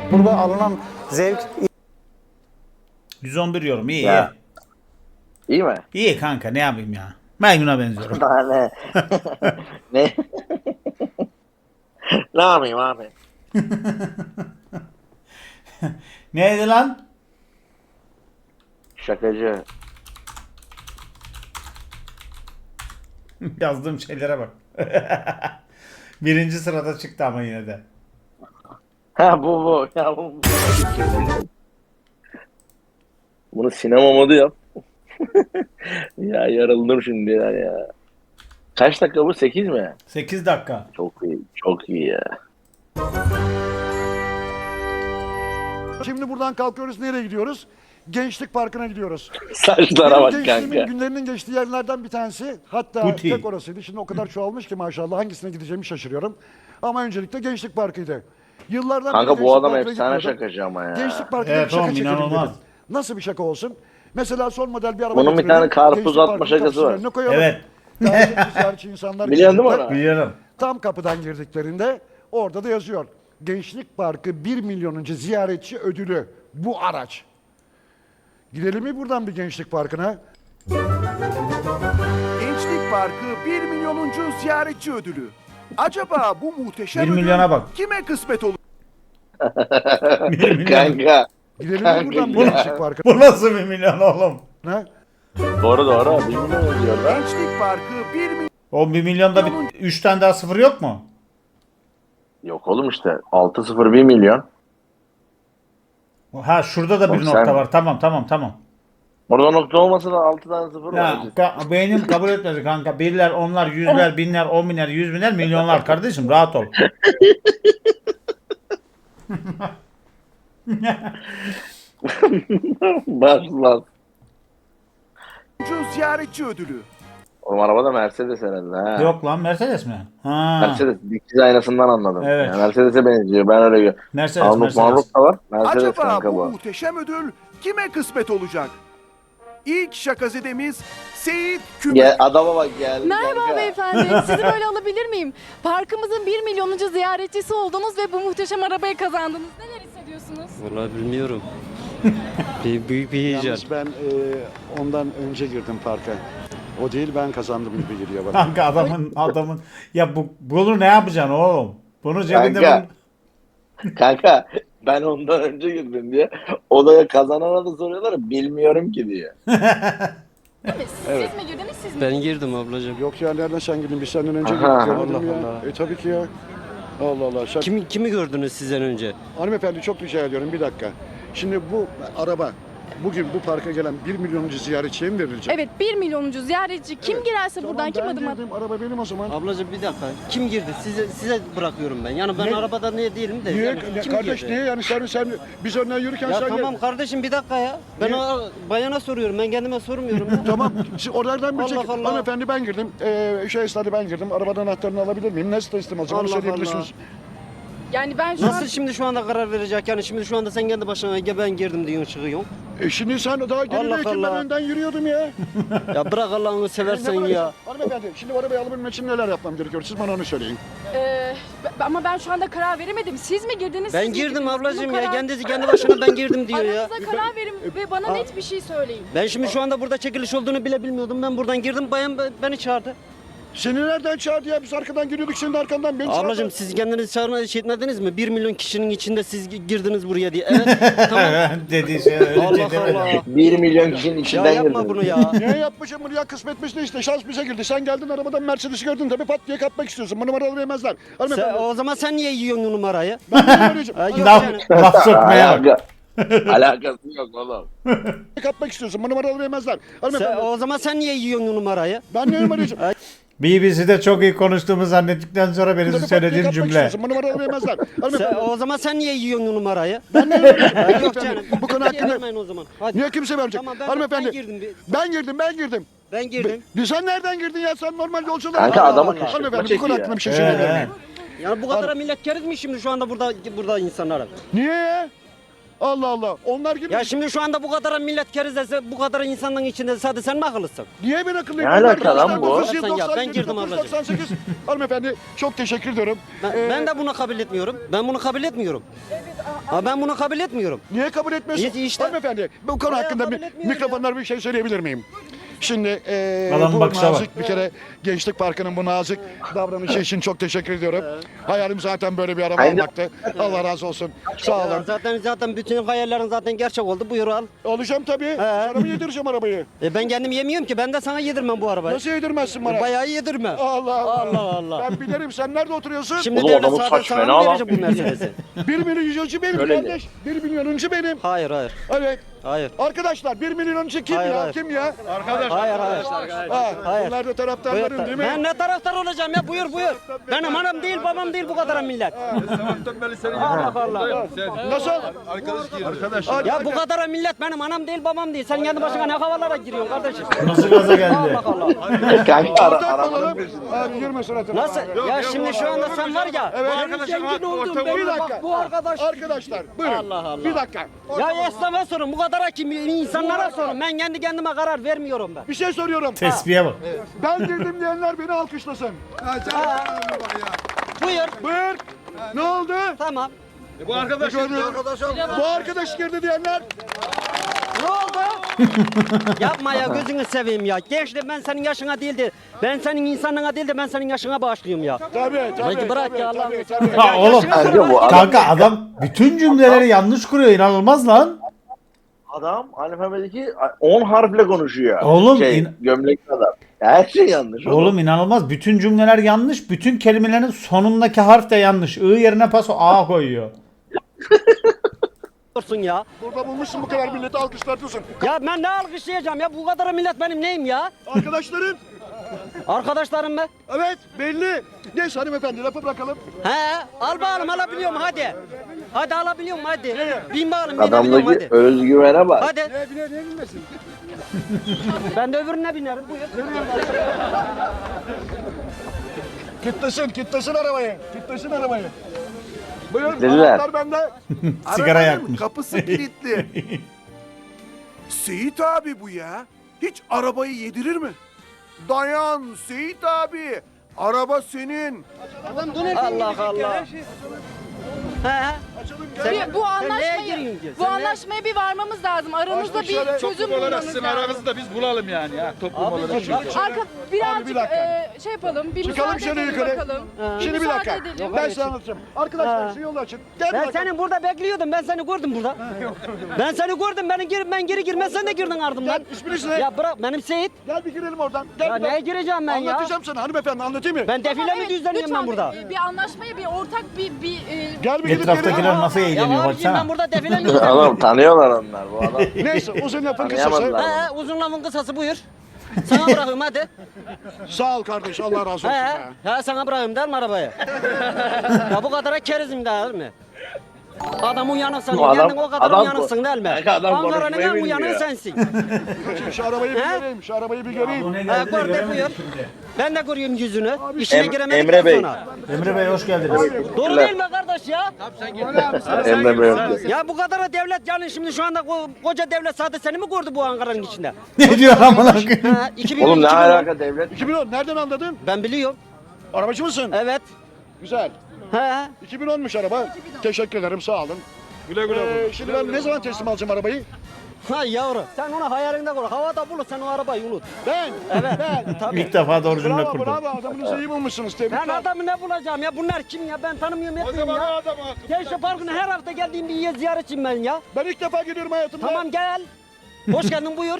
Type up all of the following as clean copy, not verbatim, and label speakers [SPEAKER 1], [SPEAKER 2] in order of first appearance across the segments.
[SPEAKER 1] Burada alınan zevk
[SPEAKER 2] 111 yorum iyi
[SPEAKER 3] Ya.
[SPEAKER 2] iyi.
[SPEAKER 3] İyi mi?
[SPEAKER 2] İyi kanka ne yapayım ya. Maymun'a benziyorum.
[SPEAKER 3] Daha ne? Ne? Ne yapayım abi?
[SPEAKER 2] Neydi lan?
[SPEAKER 3] Şakacı.
[SPEAKER 2] Yazdığım şeylere bak. Birinci sırada çıktı ama yine de.
[SPEAKER 3] Ha bu. Ya bu. Bunu sinema modu yap. Ya yarıldım şimdi ya. Kaç dakika bu? 8 mi?
[SPEAKER 2] 8 dakika.
[SPEAKER 3] Çok iyi. Çok iyi ya.
[SPEAKER 4] Şimdi buradan kalkıyoruz. Nereye gidiyoruz? Gençlik Parkı'na gidiyoruz.
[SPEAKER 3] Saçlara
[SPEAKER 4] Benim
[SPEAKER 3] bak
[SPEAKER 4] gençliğimin
[SPEAKER 3] kanka.
[SPEAKER 4] günlerinin geçtiği yerlerden bir tanesi. Hatta
[SPEAKER 2] Guti.
[SPEAKER 4] tek orasıydı. Şimdi o kadar çoğalmış ki maşallah hangisine gideceğimi şaşırıyorum. Ama öncelikle Gençlik Parkı'ydı. Yıllardan
[SPEAKER 3] Kanka
[SPEAKER 4] beri
[SPEAKER 3] bu
[SPEAKER 4] Gençlik
[SPEAKER 3] adam
[SPEAKER 4] Parkı'na
[SPEAKER 3] efsane
[SPEAKER 4] gitmiyordum.
[SPEAKER 3] şakacı ama ya.
[SPEAKER 4] Gençlik Parkı'nda
[SPEAKER 2] Evet,
[SPEAKER 4] bir şaka
[SPEAKER 2] oğlum,
[SPEAKER 4] çekelim
[SPEAKER 2] inanılmaz.
[SPEAKER 4] dedim. Nasıl bir şaka olsun? Mesela son model bir araba
[SPEAKER 3] Bunun bir
[SPEAKER 4] getiriyorum.
[SPEAKER 3] tane karpuz
[SPEAKER 4] Gençlik
[SPEAKER 3] atma
[SPEAKER 4] Parkı'nın
[SPEAKER 3] şakası var.
[SPEAKER 4] kapısının önüne koyalım.
[SPEAKER 2] Evet.
[SPEAKER 4] Daha önce ziyaretçi insanlar
[SPEAKER 3] Biliyorsun değil mi
[SPEAKER 4] gelecekler.
[SPEAKER 3] onu?
[SPEAKER 2] Biliyorum.
[SPEAKER 4] Tam kapıdan girdiklerinde orada da yazıyor. Gençlik Parkı 1 milyonuncu ziyaretçi ödülü bu araç. Gidelim mi buradan bir Gençlik Parkı'na?
[SPEAKER 5] Gençlik Parkı 1 milyonuncu ziyaretçi ödülü. Acaba bu muhteşem
[SPEAKER 2] 1 milyona
[SPEAKER 5] ödül
[SPEAKER 2] bak.
[SPEAKER 5] kime kısmet olur?
[SPEAKER 2] 1 milyon.
[SPEAKER 3] Kanka.
[SPEAKER 4] Gidelim mi
[SPEAKER 3] Kanka
[SPEAKER 4] buradan bir
[SPEAKER 3] ya.
[SPEAKER 4] Gençlik Parkı'na?
[SPEAKER 2] Bu nasıl 1 milyon oğlum?
[SPEAKER 3] Doğru. Bilmiyorum ne diyor lan.
[SPEAKER 5] Gençlik Parkı 1 milyon
[SPEAKER 2] O 1 milyonda 3 tane daha sıfır yok mu?
[SPEAKER 3] Yok oğlum işte. 6-0 1 milyon.
[SPEAKER 2] Ha şurada da bir
[SPEAKER 3] Oğlum
[SPEAKER 2] nokta
[SPEAKER 3] sen-
[SPEAKER 2] var. Tamam.
[SPEAKER 3] Orada nokta olmasa da 6 tane 0
[SPEAKER 2] Ya
[SPEAKER 3] var.
[SPEAKER 2] beynim kabul etmedi kanka. Birler, onlar, yüzler, binler, 10 biner, 100 biner, milyonlar kardeşim rahat ol.
[SPEAKER 3] Bak lan.
[SPEAKER 5] ziyaretçi ödülü.
[SPEAKER 3] Oğlum arabada Mercedes herhalde ha.
[SPEAKER 2] Yok lan Mercedes mi? Ha.
[SPEAKER 3] Mercedes dikiz aynasından anladım.
[SPEAKER 2] Evet.
[SPEAKER 3] Yani Mercedes'e benziyor. Ben öyle görüyorum.
[SPEAKER 2] Mercedes.
[SPEAKER 3] Manruk da var. Mercedes
[SPEAKER 5] Acaba
[SPEAKER 3] kanka
[SPEAKER 5] bu
[SPEAKER 3] bu.
[SPEAKER 5] muhteşem ödül kime kısmet olacak? İlk şakazedemiz Seyit Kübük.
[SPEAKER 3] Gel, adama bak geldi.
[SPEAKER 6] Merhaba
[SPEAKER 3] kanka.
[SPEAKER 6] beyefendi. Sizi böyle alabilir miyim? Parkımızın 1 milyonuncu ziyaretçisi oldunuz ve bu muhteşem arabayı kazandınız. Neler hissediyorsunuz?
[SPEAKER 7] Vallahi bilmiyorum. Büyük bir heyecan.
[SPEAKER 4] Yalnız ben ondan önce girdim parka. O değil ben kazandım gibi geliyor bana.
[SPEAKER 2] Kanka adamın ya bunu ne yapacaksın oğlum? Bunu cebinde
[SPEAKER 3] Kanka. Kanka ben ondan önce girdim diye. Odaya kazanana da soruyorlar bilmiyorum ki diye.
[SPEAKER 6] Siz mi girdiniz siz mi?
[SPEAKER 7] Ben girdim ablacığım.
[SPEAKER 4] Yok ya nereden sen girdin? Biz senden önce
[SPEAKER 3] Aha.
[SPEAKER 4] girdik. Görmedim
[SPEAKER 7] Allah
[SPEAKER 4] ya.
[SPEAKER 7] Allah.
[SPEAKER 4] Tabii ki ya. Allah Allah.
[SPEAKER 7] Kimi gördünüz sizden önce?
[SPEAKER 4] Hanımefendi çok rica ediyorum bir dakika. Şimdi bu araba bugün bu parka gelen 1 milyonuncu ziyaretçiye mi verilecek?
[SPEAKER 6] Evet 1 milyonuncu ziyaretçi kim girerse
[SPEAKER 4] Tamam,
[SPEAKER 6] buradan kim
[SPEAKER 4] ben
[SPEAKER 6] adım atar?
[SPEAKER 4] girdim, araba benim o zaman.
[SPEAKER 7] Ablacığım bir dakika. Kim girdi? Size bırakıyorum ben. Yani ben
[SPEAKER 4] Ne?
[SPEAKER 7] arabada niye değilim de.
[SPEAKER 4] Niye?
[SPEAKER 7] Yani kim
[SPEAKER 4] Kardeş
[SPEAKER 7] girdi?
[SPEAKER 4] niye yani sen biz önden yürürken
[SPEAKER 7] Ya
[SPEAKER 4] sen
[SPEAKER 7] tamam kardeşim bir dakika ya. Ben
[SPEAKER 4] Niye?
[SPEAKER 7] o bayana soruyorum. Ben kendime sormuyorum ya.
[SPEAKER 4] Tamam. Siz oralardan bir
[SPEAKER 7] Allah
[SPEAKER 4] çek.
[SPEAKER 7] Allah.
[SPEAKER 4] Hanımefendi ben girdim. Esnada ben girdim. Arabadan anahtarını alabilir miyim? Nasıl teslim alacağım? Onu
[SPEAKER 7] Allah
[SPEAKER 4] söyleyebilirsiniz.
[SPEAKER 6] Yani ben şu
[SPEAKER 7] Nasıl
[SPEAKER 6] an
[SPEAKER 7] şimdi şu anda karar verecek? Yani şimdi şu anda sen kendi başına ya ben girdim diyorsun çıkıyorsun.
[SPEAKER 4] Şimdi sen daha
[SPEAKER 7] Allah
[SPEAKER 4] gerideyken ben
[SPEAKER 7] Allah.
[SPEAKER 4] önden yürüyordum ya.
[SPEAKER 7] Ya bırak Allah'ını seversen ya.
[SPEAKER 4] Hanımefendi şimdi bu arabayı alabilmem için neler yapmam gerekiyor? Siz bana onu söyleyin.
[SPEAKER 6] ama ben şu anda karar veremedim. Siz mi girdiniz?
[SPEAKER 7] Ben
[SPEAKER 6] siz mi
[SPEAKER 7] girdim
[SPEAKER 6] girdiniz?
[SPEAKER 7] ablacığım
[SPEAKER 6] Bunun
[SPEAKER 7] ya.
[SPEAKER 6] karar-
[SPEAKER 7] Kendi başına ben girdim diyor ya.
[SPEAKER 6] Aranızda karar verin ve bana net bir şey söyleyin.
[SPEAKER 7] Ben şimdi şu anda burada çekiliş olduğunu bile bilmiyordum. Ben buradan girdim. Bayan beni çağırdı.
[SPEAKER 4] Seni nereden çağırdı ya? Biz arkadan geliyorduk senin de arkandan. Beni
[SPEAKER 7] Ablacığım
[SPEAKER 4] çağırdı.
[SPEAKER 7] siz kendiniz çağırma şey etmediniz mi? 1 milyon kişinin içinde siz girdiniz buraya diye. Evet tamam.
[SPEAKER 2] dediği şey öyle
[SPEAKER 7] Allah
[SPEAKER 2] demedi.
[SPEAKER 7] Allah.
[SPEAKER 3] 1 milyon kişinin
[SPEAKER 7] Ya
[SPEAKER 3] içinden
[SPEAKER 7] yapma
[SPEAKER 3] girdim.
[SPEAKER 7] bunu ya.
[SPEAKER 4] Niye yapmışım bunu ya? Kısmetmiş de işte. Şans bize girdi. Sen geldin arabadan Mercedes'i gördün tabii pat diye kapmak istiyorsun. Bu numaralı vermezler. Hanımefendi.
[SPEAKER 7] O zaman sen niye yiyorsun o numarayı?
[SPEAKER 4] Ben de numarayacağım.
[SPEAKER 7] Ha, yok
[SPEAKER 2] Laf,
[SPEAKER 7] yani.
[SPEAKER 2] laf sokmaya bak.
[SPEAKER 3] Alakası yok oğlum.
[SPEAKER 4] Kapmak istiyorsun. Bu numaralı vermezler. Hanımefendi.
[SPEAKER 7] O zaman sen niye yiyorsun o numarayı?
[SPEAKER 4] Ben ne numarayacağım?
[SPEAKER 2] BBC'de çok iyi konuştuğumu zannettikten sonra benim
[SPEAKER 4] Tabii pat diye
[SPEAKER 2] söylediğim
[SPEAKER 4] kapmak
[SPEAKER 2] cümle.
[SPEAKER 4] istiyorsun. Bu numaralı vermezler. Hanımefendi.
[SPEAKER 7] O zaman sen niye yiyorsun o numarayı?
[SPEAKER 4] Ben ne numarayacağım?
[SPEAKER 7] Ha, yok
[SPEAKER 4] Hanımefendi,
[SPEAKER 7] canım.
[SPEAKER 4] bu konu hakkında
[SPEAKER 7] Vermeyin o zaman. Hadi.
[SPEAKER 4] niye kimse vermeyecek?
[SPEAKER 7] Tamam ben
[SPEAKER 4] Hanımefendi.
[SPEAKER 7] girdim.
[SPEAKER 4] Ben girdim.
[SPEAKER 7] Ben girdim.
[SPEAKER 4] Sen nereden girdin ya? Sen normal yolculuğa.
[SPEAKER 3] Kanka
[SPEAKER 7] Allah
[SPEAKER 3] adamı
[SPEAKER 7] Allah.
[SPEAKER 3] kışkırtma
[SPEAKER 4] Hanımefendi bu
[SPEAKER 3] çekiyor
[SPEAKER 4] konu
[SPEAKER 3] ya.
[SPEAKER 4] hakkında bir şey söyleyebilir
[SPEAKER 2] He.
[SPEAKER 4] miyim?
[SPEAKER 7] Yani bu kadar millet keriz mi şimdi şu anda burada insanlara?
[SPEAKER 4] Niye ya? Allah Allah. Onlar gibi.
[SPEAKER 7] Ya şimdi şu anda bu kadar millet kerizesi, bu kadar insanların içinde sadece sen mi akıllısın?
[SPEAKER 4] Niye ben akıllıyım?
[SPEAKER 3] Ne alaka lan bu?
[SPEAKER 7] Ben girdim ablacığım.
[SPEAKER 4] 98. Hanımefendi çok teşekkür ediyorum.
[SPEAKER 7] Ben de bunu kabul etmiyorum. Ben bunu kabul etmiyorum. Ha, ben bunu kabul etmiyorum.
[SPEAKER 4] Niye kabul etmiyorsun?
[SPEAKER 7] İşte.
[SPEAKER 4] Hanımefendi bu konu
[SPEAKER 7] Bayağı
[SPEAKER 4] hakkında
[SPEAKER 7] kabul etmiyor
[SPEAKER 4] mikrofonlar bir şey söyleyebilir miyim? Şimdi
[SPEAKER 2] Adamın
[SPEAKER 4] bu
[SPEAKER 2] bakışa
[SPEAKER 4] nazik bir kere Gençlik Parkı'nın bu nazik davranışı için çok teşekkür ediyorum. Hayalim zaten böyle bir araba
[SPEAKER 3] Aynen.
[SPEAKER 4] almaktı. Allah razı olsun. Sağ olun.
[SPEAKER 7] Zaten bütün hayallerin zaten gerçek oldu. Buyur al.
[SPEAKER 4] Alacağım tabii. Sana mı yedireceğim arabayı?
[SPEAKER 7] Ben kendim yemiyorum ki. Ben de sana yedirmem bu arabayı.
[SPEAKER 4] Nasıl yedirmezsin bana?
[SPEAKER 7] Bayağı yedirme.
[SPEAKER 4] Allah
[SPEAKER 7] Allah Allah.
[SPEAKER 4] Ben bilirim. Sen nerede oturuyorsun?
[SPEAKER 7] Şimdi
[SPEAKER 3] Oğlum
[SPEAKER 7] devlet
[SPEAKER 3] adamın
[SPEAKER 7] sadece
[SPEAKER 3] saç
[SPEAKER 7] sana
[SPEAKER 3] fena
[SPEAKER 7] mı
[SPEAKER 3] lan.
[SPEAKER 7] verecek bu Mercedes'i?
[SPEAKER 4] 1 milyonuncu benim
[SPEAKER 3] Öyle mi?
[SPEAKER 4] kardeş. 1 milyonuncu benim.
[SPEAKER 7] Hayır hayır.
[SPEAKER 4] Evet.
[SPEAKER 7] Hayır.
[SPEAKER 4] Arkadaşlar 1 milyonuncu kim
[SPEAKER 7] Hayır,
[SPEAKER 4] ya?
[SPEAKER 7] hayır.
[SPEAKER 4] Kim ya?
[SPEAKER 7] Hayır hayır.
[SPEAKER 4] Ha,
[SPEAKER 7] Hayır.
[SPEAKER 4] bunlar da taraftarların değil mi?
[SPEAKER 7] Ben ne taraftar olacağım ya? Buyur buyur. Benim anam değil babam değil bu kadar millet. Allah Allah.
[SPEAKER 4] Nasıl? Arkadaş.
[SPEAKER 7] Ya bu kadar millet benim anam değil babam değil. Sen kendi başına ne havalara giriyorsun kardeşim?
[SPEAKER 2] Nasıl gaza geldi?
[SPEAKER 7] Allah Allah.
[SPEAKER 3] Kanka
[SPEAKER 4] Ortak
[SPEAKER 3] arabanın
[SPEAKER 4] olalım. Abi girme suratına.
[SPEAKER 7] Nasıl? Ya şimdi şu anda sen var ya.
[SPEAKER 4] Evet.
[SPEAKER 7] Benim zengin olduğum
[SPEAKER 4] Bir
[SPEAKER 7] belli.
[SPEAKER 4] dakika.
[SPEAKER 7] Bak bu arkadaş.
[SPEAKER 4] Arkadaşlar buyurun.
[SPEAKER 7] Allah Allah.
[SPEAKER 4] Bir dakika.
[SPEAKER 7] Ya esnafa sorun. Bu kadar kim insanlara sorun. Ben kendi kendime karar vermiyorum ben.
[SPEAKER 4] Bir şey soruyorum.
[SPEAKER 2] Tespihe bak.
[SPEAKER 4] Ben girdim diyenler beni alkışlasın.
[SPEAKER 7] Buyur.
[SPEAKER 4] Buyur. Ne oldu?
[SPEAKER 7] Tamam.
[SPEAKER 4] Bu arkadaş girdi diyenler.
[SPEAKER 7] Ne oldu? Yapma ya gözünü seveyim ya. Gençlik ben senin yaşına değildi. Ben senin insanlığına değil de ben senin yaşına bağışlıyorum ya.
[SPEAKER 4] Tabii tabii.
[SPEAKER 7] Hadi bırak
[SPEAKER 4] tabii,
[SPEAKER 7] ya
[SPEAKER 4] tabii,
[SPEAKER 7] Allah'ını
[SPEAKER 4] tabii.
[SPEAKER 2] Ha oğlum.
[SPEAKER 3] Kanka bu adam,
[SPEAKER 2] Kanka adam bütün cümleleri yanlış kuruyor. İnanılmaz lan.
[SPEAKER 3] adam alfabedeki 10 harfle konuşuyor.
[SPEAKER 2] Oğlum,
[SPEAKER 3] Gömlekli adam. Her şey yanlış.
[SPEAKER 2] Oğlum inanılmaz. Bütün cümleler yanlış. Bütün kelimelerin sonundaki harf de yanlış. I yerine paso A koyuyor.
[SPEAKER 7] Dursun ya.
[SPEAKER 4] Burada bulmuşsun bu kadar milleti alkışlatıyorsun.
[SPEAKER 7] Ya ben ne alkışlayacağım ya? Bu kadar millet benim neyim ya?
[SPEAKER 4] Arkadaşların.
[SPEAKER 7] Arkadaşlarım mı?
[SPEAKER 4] Evet belli. Neyse hanımefendi lafı bırakalım.
[SPEAKER 7] He, al bakalım alabiliyorum hadi. Hadi alabiliyorum hadi. Bin bakalım binebiliyorum
[SPEAKER 3] Adamdaki
[SPEAKER 7] hadi.
[SPEAKER 3] özgüvene bak.
[SPEAKER 7] Hadi.
[SPEAKER 4] Ne bilmesin.
[SPEAKER 7] Ben de öbürüne binerim buyur.
[SPEAKER 4] Kitlesin arabayı. Kitlesin arabayı. Buyurun
[SPEAKER 3] Dediler.
[SPEAKER 4] anahtar bende.
[SPEAKER 2] Sigara
[SPEAKER 5] Arabanın
[SPEAKER 2] yakmış.
[SPEAKER 5] kapısı kilitli. Seyit abi bu ya. Hiç arabayı yedirir mi? Dayan Seyit abi. Araba senin.
[SPEAKER 7] Allah Allah. He.
[SPEAKER 6] Bu
[SPEAKER 7] sen neye giriyorsun ki?
[SPEAKER 6] bu
[SPEAKER 7] Sen
[SPEAKER 6] anlaşmaya bir varmamız lazım. Aranızda
[SPEAKER 4] Açtık şöyle,
[SPEAKER 6] bir çözüm bulmamız lazım.
[SPEAKER 1] Aramızda biz bulalım yani ya toplum olarak.
[SPEAKER 6] Arka birazcık
[SPEAKER 4] bir dakika.
[SPEAKER 6] şey yapalım. Bir
[SPEAKER 4] Çıkalım
[SPEAKER 6] müsaade
[SPEAKER 4] şöyle
[SPEAKER 6] edelim
[SPEAKER 4] yukarı.
[SPEAKER 6] bakalım.
[SPEAKER 4] Şimdi bir
[SPEAKER 6] müsaade
[SPEAKER 4] dakika.
[SPEAKER 6] edelim.
[SPEAKER 4] Ben size anlatacağım. Arkadaşlar şu yolu açın. Gel
[SPEAKER 7] Ben
[SPEAKER 4] bakalım.
[SPEAKER 7] seni burada bekliyordum. Ben seni gördüm burada. Ben seni gördüm. Ben geri girmez sen de girdin ardımdan.
[SPEAKER 4] Gel isminiz ne?
[SPEAKER 7] Ya bırak benim Seyit.
[SPEAKER 4] Gel bir girelim oradan. Gel
[SPEAKER 7] Ya
[SPEAKER 4] bir bak.
[SPEAKER 7] neye gireceğim ben ya?
[SPEAKER 4] Anlatacağım sana hanımefendi anlatayım mı?
[SPEAKER 7] Ben defile mi
[SPEAKER 6] Evet,
[SPEAKER 7] düzenleyeyim
[SPEAKER 6] lütfen
[SPEAKER 7] ben burada?
[SPEAKER 6] Bir anlaşmaya bir ortak bir
[SPEAKER 4] Gel bir gidip
[SPEAKER 2] Etraftakiler
[SPEAKER 4] girelim.
[SPEAKER 2] nasıl
[SPEAKER 7] Ya
[SPEAKER 2] eğleniyor
[SPEAKER 7] abicim
[SPEAKER 2] baksana.
[SPEAKER 7] ben burada defile mi
[SPEAKER 3] Adam
[SPEAKER 7] düzenleyeyim?
[SPEAKER 3] tanıyorlar onlar bu adam.
[SPEAKER 4] Neyse uzun lafın kısası.
[SPEAKER 3] Tanıyamadılar.
[SPEAKER 7] He uzun lafın kısası buyur. Sana bırakayım hadi.
[SPEAKER 4] Sağ ol kardeş Allah razı olsun.
[SPEAKER 7] He,
[SPEAKER 4] ya.
[SPEAKER 7] he sana bırakayım değil mi arabayı? Ya bu kadara kerizim değil mi? Adam uyanıksın,
[SPEAKER 3] Bu adam-
[SPEAKER 7] kendin o kadar
[SPEAKER 3] adam
[SPEAKER 7] uyanıksın değil mi?
[SPEAKER 3] Kanka adam
[SPEAKER 7] Ankara'nın
[SPEAKER 3] konuşmayı
[SPEAKER 7] en uyanığı
[SPEAKER 3] bilmiyor.
[SPEAKER 7] sensin.
[SPEAKER 4] Şu arabayı bir
[SPEAKER 7] He?
[SPEAKER 4] göreyim. Şu arabayı bir göreyim.
[SPEAKER 7] He, gördük buyur. Ben de görüyorum yüzünü. İşine giremedik
[SPEAKER 3] Emre Bey.
[SPEAKER 7] sonra.
[SPEAKER 2] Emre Bey hoş geldiniz.
[SPEAKER 7] Doğru değil mi kardeş ya?
[SPEAKER 3] Emre Bey.
[SPEAKER 7] Ya bu kadar devlet yani şimdi şu anda koca devlet sadece seni mi gördü bu Ankara'nın içinde?
[SPEAKER 2] Ne diyor amına koyayım?
[SPEAKER 7] Ha, 2000,
[SPEAKER 3] Oğlum ne
[SPEAKER 7] 2010.
[SPEAKER 3] alaka devlet?
[SPEAKER 4] 2010 nereden anladın?
[SPEAKER 7] Ben biliyorum.
[SPEAKER 4] Arabacı mısın?
[SPEAKER 7] Evet.
[SPEAKER 4] Güzel.
[SPEAKER 7] He.
[SPEAKER 4] 2010'muş araba. Teşekkür ederim sağ olun. Güle güle. Şimdi ben ne zaman teslim alacağım arabayı?
[SPEAKER 7] Ha yavru. Sen onu hayalinde kur. Havada bulup sen o arabayı unut.
[SPEAKER 4] Ben.
[SPEAKER 7] Evet.
[SPEAKER 4] Ben.
[SPEAKER 7] Tabii.
[SPEAKER 2] İlk defa doğru cümle
[SPEAKER 4] Bravo
[SPEAKER 2] kurdu.
[SPEAKER 4] bravo adamınızı iyi bulmuşsunuz.
[SPEAKER 7] Ben
[SPEAKER 4] Tebrikler.
[SPEAKER 7] adamı ne bulacağım ya? Bunlar kim ya? Ben tanımıyorum etmiyorum ya. Gençlik Parkı'na her hafta geldiğim bir yer ziyaretçiyim ben ya.
[SPEAKER 4] Ben ilk defa gidiyorum hayatımda.
[SPEAKER 7] Tamam gel. Hoş geldin buyur.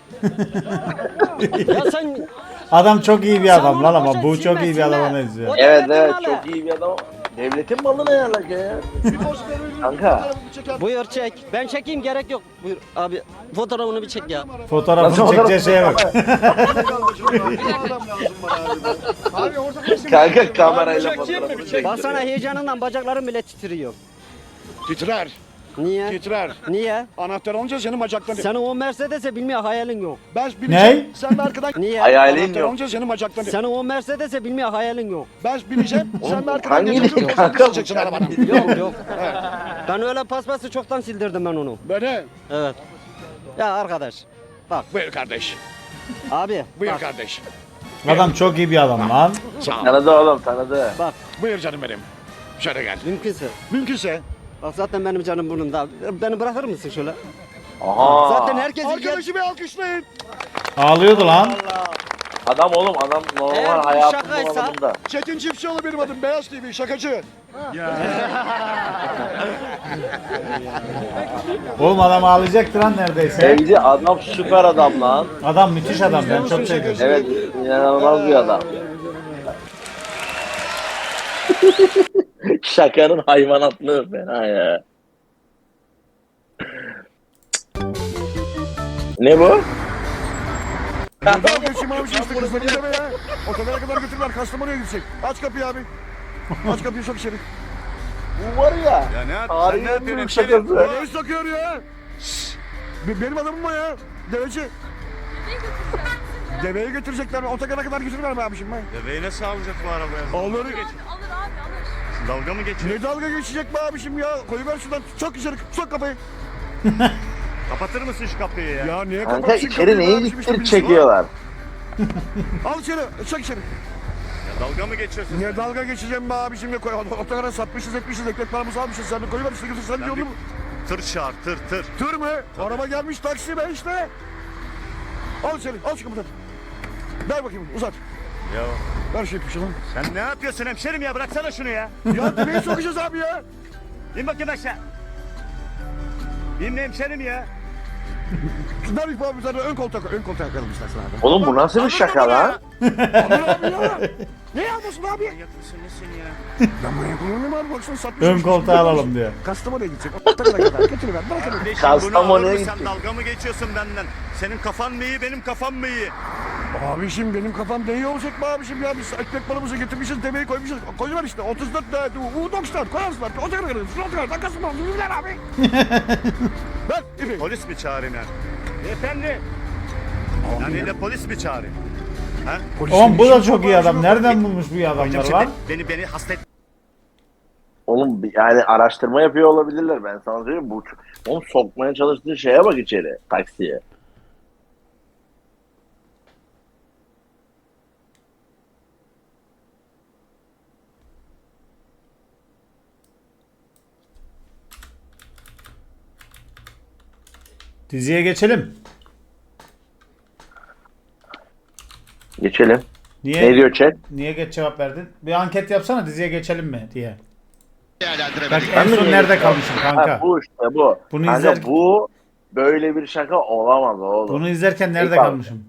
[SPEAKER 7] Ya sen
[SPEAKER 2] Adam çok iyi bir adam
[SPEAKER 7] Sen
[SPEAKER 2] lan
[SPEAKER 7] onu
[SPEAKER 2] ama
[SPEAKER 7] boşa
[SPEAKER 2] bu çok iyi bir
[SPEAKER 7] silme,
[SPEAKER 2] adama
[SPEAKER 7] silme.
[SPEAKER 2] benziyor.
[SPEAKER 7] O
[SPEAKER 3] Evet
[SPEAKER 7] devletin
[SPEAKER 3] evet
[SPEAKER 7] malı.
[SPEAKER 3] çok iyi bir adam. Devletin malı ne alaka ya?
[SPEAKER 4] Bir poz verelim.
[SPEAKER 3] Kanka.
[SPEAKER 4] Fotoğrafımı çeker.
[SPEAKER 7] Buyur çek. Ben çekeyim gerek yok. Buyur abi fotoğrafını bir çek ya.
[SPEAKER 2] Fotoğrafını çekeceği şeye bak.
[SPEAKER 4] Adam lazım bana abi. Abi orada
[SPEAKER 3] Kanka kamerayla fotoğrafını çek.
[SPEAKER 7] Baksana heyecanından bacaklarım bile titriyor.
[SPEAKER 4] Titrer.
[SPEAKER 7] Niye?
[SPEAKER 4] Titrer.
[SPEAKER 7] Niye?
[SPEAKER 4] Anahtar olunca senin bacakların.
[SPEAKER 7] Senin o Mercedes'e bilmiyor hayalin yok.
[SPEAKER 4] Ben bineceğim.
[SPEAKER 2] Ne?
[SPEAKER 4] Sen de arkadan.
[SPEAKER 7] Niye?
[SPEAKER 3] Hayalin
[SPEAKER 4] Anahtar
[SPEAKER 3] yok.
[SPEAKER 4] olunca senin bacakların.
[SPEAKER 7] Senin o Mercedes'e bilmiyor hayalin yok.
[SPEAKER 4] Ben bineceğim. Sen de arkadan
[SPEAKER 3] hangi
[SPEAKER 4] geçeceksin.
[SPEAKER 3] kanka bu?
[SPEAKER 4] Çekeceksin arabanı.
[SPEAKER 7] Yok yok. Ben öyle paspası çoktan sildirdim ben onu.
[SPEAKER 5] Beni.
[SPEAKER 7] Evet. Ya arkadaş. Bak
[SPEAKER 5] Buyur kardeş.
[SPEAKER 7] abi.
[SPEAKER 5] Buyur
[SPEAKER 7] Bak,
[SPEAKER 5] kardeş.
[SPEAKER 2] Adam çok iyi bir adam lan.
[SPEAKER 3] Tanıdı oğlum tanıdı.
[SPEAKER 7] bak
[SPEAKER 5] Buyur canım benim. Şöyle gel.
[SPEAKER 7] mümkünse.
[SPEAKER 4] Mümkünse.
[SPEAKER 7] Bak zaten benim canım burnumda. Beni bırakır mısın şöyle?
[SPEAKER 3] Aha.
[SPEAKER 7] Zaten herkes
[SPEAKER 4] Arkadaşı bir alkışlayın.
[SPEAKER 2] Ağlıyordu lan.
[SPEAKER 3] Adam oğlum adam
[SPEAKER 7] Eğer
[SPEAKER 3] normal
[SPEAKER 7] bu
[SPEAKER 3] hayatın
[SPEAKER 7] şakaysa-
[SPEAKER 3] alanında.
[SPEAKER 4] Çetin Çiftçioğlu benim adım. Beyaz TV şakacı.
[SPEAKER 2] Oğlum adam ağlayacaktı lan neredeyse.
[SPEAKER 3] Sevgili adam süper adam lan.
[SPEAKER 2] Adam müthiş adam, ben çok seviyorum.
[SPEAKER 3] Evet inanılmaz bir adam. Şakanın hayvanatlığı fena ya. Ne bu?
[SPEAKER 4] Dalga geçeyim abi işte kızları izleme ya. Otogara kadar götürürler. Kastamonu'ya gidecek. Aç kapıyı abi. Aç kapıyı sok içeri.
[SPEAKER 3] Bu var ya.
[SPEAKER 5] Ya ne
[SPEAKER 3] Tarihin en büyük şakası.
[SPEAKER 4] Ne sokuyor ya? Benim adamım o ya. Deveci. Deveye götürecekler. Otogara kadar götürürler mi abiciğim ben?
[SPEAKER 5] Deveyi nasıl alacak bu arabaya?
[SPEAKER 4] Alır.
[SPEAKER 5] Dalga mı geçiyor?
[SPEAKER 4] Ne dalga geçecek be abiciğim ya? Koyuver şuradan. Sok içeri. Sok kapıyı.
[SPEAKER 5] Kapatır mısın şu kapıyı ya?
[SPEAKER 4] Ya niye
[SPEAKER 3] Kanka
[SPEAKER 4] kapatsın
[SPEAKER 3] içeri
[SPEAKER 4] kapıyı be
[SPEAKER 3] neyi
[SPEAKER 4] abiciğim? İşte
[SPEAKER 3] gittirip
[SPEAKER 4] birisi var.
[SPEAKER 3] çekiyorlar.
[SPEAKER 4] Al içeri. Sok içeri.
[SPEAKER 5] Ya dalga mı geçiyorsun?
[SPEAKER 4] Ne dalga geçeceğim be abiciğim ya? Otogara satmışız etmişiz. Ekmek paramızı almışız. Sen de koyuver işte götür. Sen
[SPEAKER 5] Ben
[SPEAKER 4] yolunu.
[SPEAKER 5] Tır çağır tır.
[SPEAKER 4] Tır mı? Araba gelmiş taksi be işte. Al içeri. Al şu kapıdan. Ver bakayım uzat.
[SPEAKER 5] Ya
[SPEAKER 4] Ver şu ipi şunu.
[SPEAKER 5] sen ne yapıyorsun hemşerim ya? Bıraksana şunu ya.
[SPEAKER 4] Ya demeyi sokacağız abi ya.
[SPEAKER 5] İn bakayım aşağı. İn hemşerim ya.
[SPEAKER 4] Ver ipi abi sana ön koltuğa koy. Ön koltuğa koyalım istersen abi.
[SPEAKER 3] Oğlum bu nasıl bir şaka lan?
[SPEAKER 4] Alır abi ya. Ne yapıyorsun abi?
[SPEAKER 5] Manyak mısın nesin ya?
[SPEAKER 4] Ben manyak olur muyum abi? Baksana satmış.
[SPEAKER 2] Ön koltuğa alalım diyor.
[SPEAKER 4] Kastamonu'ya gidecek. Otogara kadar. Götürüver. Bırak onu.
[SPEAKER 5] Kardeşim
[SPEAKER 3] Kastamonu'ya
[SPEAKER 5] bunu alır mı?
[SPEAKER 3] gittik.
[SPEAKER 5] Sen dalga mı geçiyorsun benden? Senin kafan mı iyi benim kafam mı iyi?
[SPEAKER 4] Abiciğim benim kafam ne iyi olacak be abiciğim ya. Biz ekmek balımızı getirmişiz, demeyi koymuşuz. Koyuver işte 34 tane U90 koyarsınlar. Otogara kadar. Şu otogara dakikası mı oldu? Ver abi. Ver ipi.
[SPEAKER 5] Polis mi çağırayım yani? Efendi. Yani de polis mi çağırayım? Ha?
[SPEAKER 2] Oğlum bu da çok iyi adam. Nereden bulmuş bu iyi adamlar
[SPEAKER 5] Hocam
[SPEAKER 2] lan?
[SPEAKER 5] beni hasta et.
[SPEAKER 3] Oğlum yani araştırma yapıyor olabilirler ben sana söyleyeyim. Bu oğlum sokmaya çalıştığı şeye bak içeri taksiye.
[SPEAKER 2] Diziye geçelim.
[SPEAKER 3] Geçelim.
[SPEAKER 2] Niye
[SPEAKER 3] Ne diyor chat?
[SPEAKER 2] niye geç cevap verdin? Bir anket yapsana diziye geçelim mi diye. Bak
[SPEAKER 3] Ben
[SPEAKER 2] en
[SPEAKER 3] mi
[SPEAKER 2] son
[SPEAKER 3] niye
[SPEAKER 2] nerede
[SPEAKER 3] geçiyorum?
[SPEAKER 2] kalmışım kanka?
[SPEAKER 3] Ha, bu işte bu.
[SPEAKER 2] Bunu
[SPEAKER 3] Kanka
[SPEAKER 2] izler-
[SPEAKER 3] bu böyle bir şaka olamaz oğlum.
[SPEAKER 2] Bunu izlerken nerede
[SPEAKER 3] Peki abi.
[SPEAKER 2] kalmışım?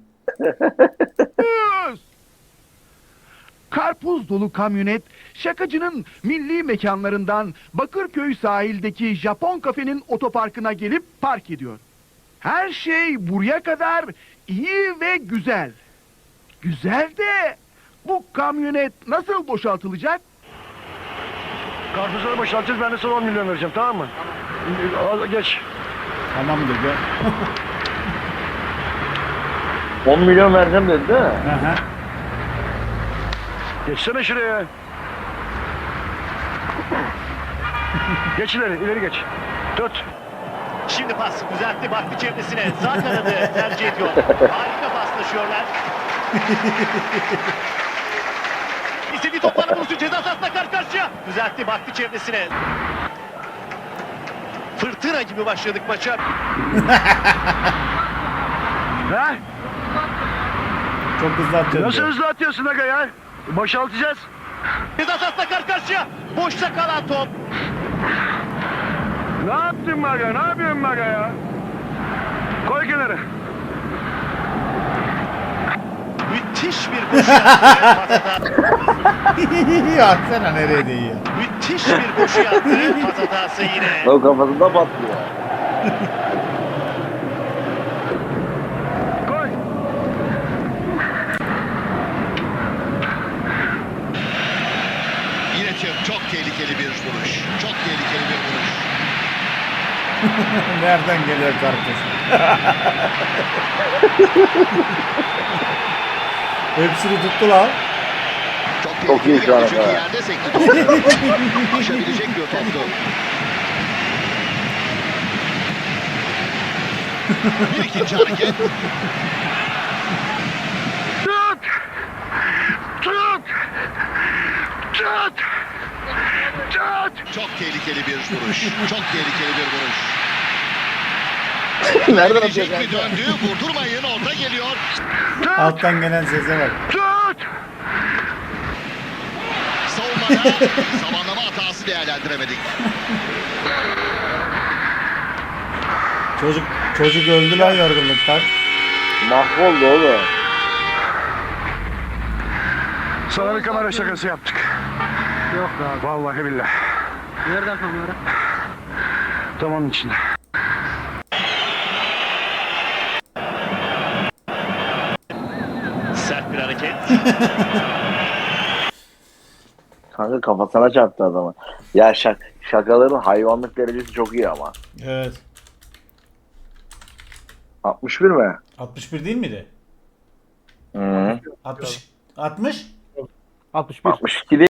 [SPEAKER 8] Karpuz dolu kamyonet şakacının milli mekanlarından Bakırköy sahildeki Japon kafenin otoparkına gelip park ediyor. Her şey buraya kadar iyi ve güzel. Güzel de bu kamyonet nasıl boşaltılacak?
[SPEAKER 4] Karpuzları boşaltacağız. Ben de sana 10 milyon vereceğim tamam mı? Al, geç.
[SPEAKER 2] Tamam dedi.
[SPEAKER 3] 10 milyon vereceğim dedi değil mi?
[SPEAKER 2] Hı hı.
[SPEAKER 4] Geçsene şuraya. Geç ileri geç. Tut.
[SPEAKER 9] Şimdi pas düzeltti baktı çevresine. Sağ kanadı tercih ediyor. Harika paslaşıyorlar. İstediği topları buluştu. Ceza sahasına karşı karşıya. Düzeltti baktı çevresine. Fırtına gibi başladık maça.
[SPEAKER 4] Ha?
[SPEAKER 2] Çok hızlı atacağız.
[SPEAKER 4] Nasıl
[SPEAKER 2] diyor.
[SPEAKER 4] hızlı atıyorsun aga ya? Boşaltacağız.
[SPEAKER 9] Ceza sahasına karşı karşıya. Boşta kalan top.
[SPEAKER 4] Ne yaptın aga? Ne yapıyorsun aga ya? Koy kenara.
[SPEAKER 9] Müthiş bir koşu yaptı.
[SPEAKER 2] Ya sen nereye değiyor?
[SPEAKER 9] Müthiş bir koşu yaptı. Pas hatası yine.
[SPEAKER 3] O kafasında patlıyor.
[SPEAKER 4] Koy.
[SPEAKER 9] Yine çok tehlikeli bir vuruş. Çok tehlikeli bir vuruş.
[SPEAKER 2] Nereden geliyor karpuz? Hepsini tuttu lan.
[SPEAKER 3] Çok iyi şu an.
[SPEAKER 9] Çünkü yerde sekti topu. Aşabilecek bir toptu. Bir ikinci hareket.
[SPEAKER 4] Tut! Tut! Tut! Tut!
[SPEAKER 9] Çok tehlikeli bir vuruş. Çok tehlikeli bir vuruş.
[SPEAKER 3] Nereden atıyor
[SPEAKER 9] Gelecek mi
[SPEAKER 3] kanka?
[SPEAKER 9] döndü? Vurdurmayın. Orta geliyor.
[SPEAKER 2] Alttan gelen sese bak.
[SPEAKER 4] Tut!
[SPEAKER 9] Savunmada zamanlama hatası değerlendiremedik.
[SPEAKER 2] Çocuk öldü lan yorgunluktan.
[SPEAKER 3] Mahvoldu oğlum.
[SPEAKER 4] Sana bir kamera şakası yaptık. Yok abi. Vallahi billahi.
[SPEAKER 7] Nereden kamera?
[SPEAKER 4] Tam onun içinde.
[SPEAKER 9] Sert bir hareket.
[SPEAKER 3] Kanka kafasına çarptı adamı. Ya şakaların hayvanlık derecesi çok iyi ama.
[SPEAKER 2] Evet.
[SPEAKER 3] 61 mi?
[SPEAKER 2] 61 değil miydi?
[SPEAKER 3] Hı.
[SPEAKER 2] 60 60
[SPEAKER 3] 62 değil.